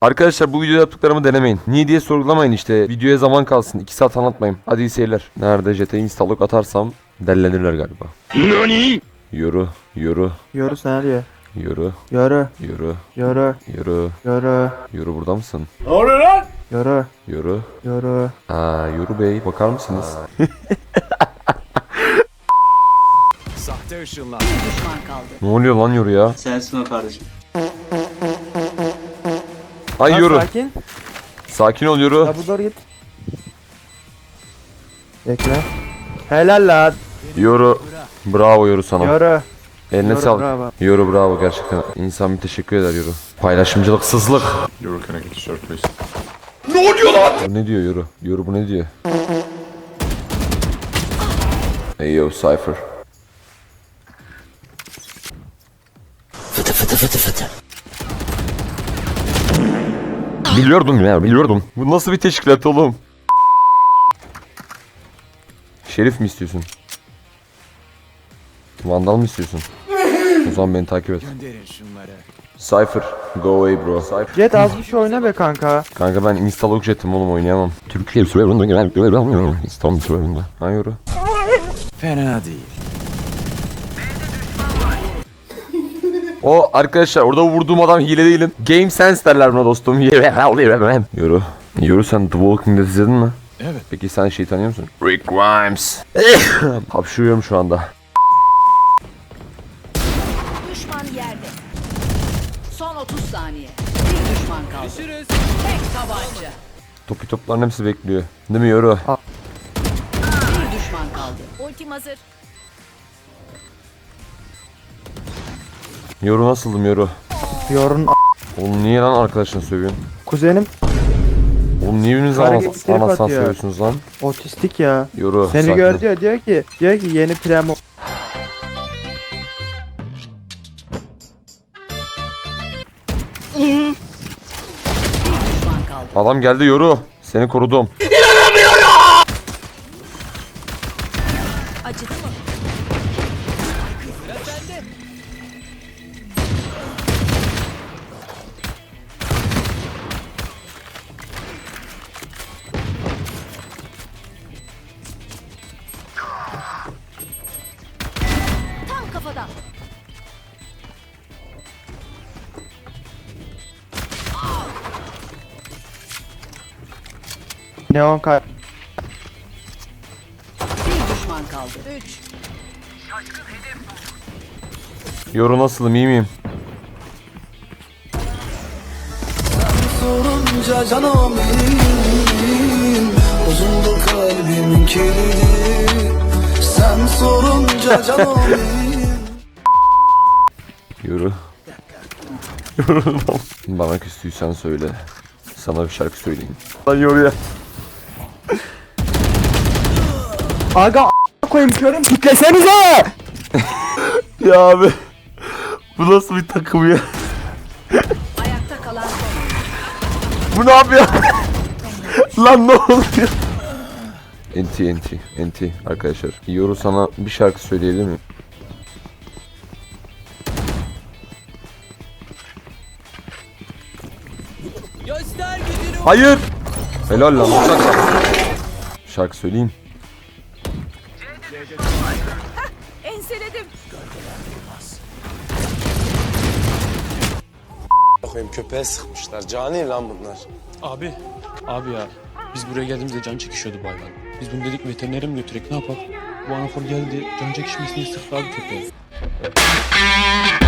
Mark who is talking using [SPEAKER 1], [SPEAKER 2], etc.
[SPEAKER 1] Arkadaşlar bu videoda yaptıklarımı denemeyin. Niye diye sorgulamayın işte. Videoya zaman kalsın. 2 saat anlatmayayım. Hadi iyi seyirler. Nerede JT installok atarsam dellenirler galiba. NANI? Yoru.
[SPEAKER 2] Yoru senaryo.
[SPEAKER 1] Yoru.
[SPEAKER 2] Yoru.
[SPEAKER 1] Yoru.
[SPEAKER 2] Yoru.
[SPEAKER 1] Yoru.
[SPEAKER 2] Yoru.
[SPEAKER 1] Yoru burada mısın?
[SPEAKER 2] Yoru.
[SPEAKER 1] Yoru.
[SPEAKER 2] Yoru.
[SPEAKER 1] Yoru Bey bakar mısınız?
[SPEAKER 3] Sahte ışınlar.
[SPEAKER 4] Düşman kaldı.
[SPEAKER 1] Ne oluyor lan Yoru ya?
[SPEAKER 5] Sensin o kardeşim.
[SPEAKER 1] Ay
[SPEAKER 2] Lan
[SPEAKER 1] Yoru.
[SPEAKER 2] sakin.
[SPEAKER 1] Sakin ol Yoru.
[SPEAKER 2] Ya bu doğru git. Bekle. Helal lan.
[SPEAKER 1] Yoru. Bravo Yoru sana.
[SPEAKER 2] Yoru.
[SPEAKER 1] Eline
[SPEAKER 2] Yoru,
[SPEAKER 1] sağlık.
[SPEAKER 2] bravo.
[SPEAKER 1] Yoru bravo gerçekten. İnsan bir teşekkür eder Yoru. Paylaşımcılıksızlık.
[SPEAKER 6] Euro, can I get a shirt, please?
[SPEAKER 1] Bu ne diyor Yoru? Yoru bu ne diyor? Hey yo Cypher. Biliyordum ya biliyordum. Bu nasıl bir teşkilat oğlum? Şerif mi istiyorsun? Vandal mı istiyorsun? O zaman beni takip et.
[SPEAKER 3] Gönderin şunları.
[SPEAKER 1] Cypher, go away bro. Cypher.
[SPEAKER 2] Jet az bir şey oyna be kanka.
[SPEAKER 1] Kanka ben installok jetim oğlum oynayamam. Türkiye serverında genel İstanbul serverında. Ha Yoru.
[SPEAKER 3] Fena değil.
[SPEAKER 1] O arkadaşlar orada vurduğum adam hile değilim. Game sense derler buna dostum. Yoru. Yoru sen The Walking Dead izledin mi?
[SPEAKER 3] Evet.
[SPEAKER 1] Peki sen şeyi tanıyor musun? Rick Grimes. Hapşırıyorum şu anda.
[SPEAKER 4] Düşman yerde. Son 30 saniye. Bir düşman kaldı. Tek tabanca.
[SPEAKER 1] Topu topların hepsi bekliyor. Değil mi Yoru?
[SPEAKER 4] Bir düşman kaldı. Ultim hazır.
[SPEAKER 1] Yoru nasıldım Yoru?
[SPEAKER 2] Yorun
[SPEAKER 1] Oğlum niye lan arkadaşını sövüyorsun?
[SPEAKER 2] kuzenim
[SPEAKER 1] Oğlum niye birbirinizi
[SPEAKER 2] Hareketleri
[SPEAKER 1] anasını
[SPEAKER 2] atıyor.
[SPEAKER 1] sövüyorsunuz lan?
[SPEAKER 2] otistik ya.
[SPEAKER 1] Yoru.
[SPEAKER 2] Seni
[SPEAKER 1] sakin ol.
[SPEAKER 2] gör diyor ki yeni premo.
[SPEAKER 4] Düşman kaldı.
[SPEAKER 1] Adam geldi Yoru. Seni korudum.
[SPEAKER 4] Acıdı mı? Tam kafadan.
[SPEAKER 2] Neon kay.
[SPEAKER 4] Bir düşman kaldı. 3.
[SPEAKER 1] Yoru nasılım iyi miyim?
[SPEAKER 7] Sorunca canım benim bozuldu kalbimin kilidi. Sen sorunca canım benim.
[SPEAKER 1] Yoru. Yoru. Bana küstüysen söyle. Sana bir şarkı söyleyeyim. Lan Yoru'ya.
[SPEAKER 2] Aga koyayım körüm kitlesenize.
[SPEAKER 1] Ya abi. Bu nasıl bir takım ya?
[SPEAKER 4] Ayakta kalan son.
[SPEAKER 1] Bu ne yapıyor? Lan ne oluyor? Enti arkadaşlar. Yoru sana bir şarkı söyleyebilir miyim? Hayır. Helal lan. Şarkı söyleyeyim.
[SPEAKER 4] Enseledim.
[SPEAKER 8] Bakayım köpeğe sıkmışlar. Cani lan bunlar.
[SPEAKER 9] Abi ya biz buraya geldiğimizde can çekişiyordu bu hayvan. Biz bunu dedik veterinere mi götürek ne yapalım? Bu anafor geldi can çekişmesini sıktı abi köpeğe.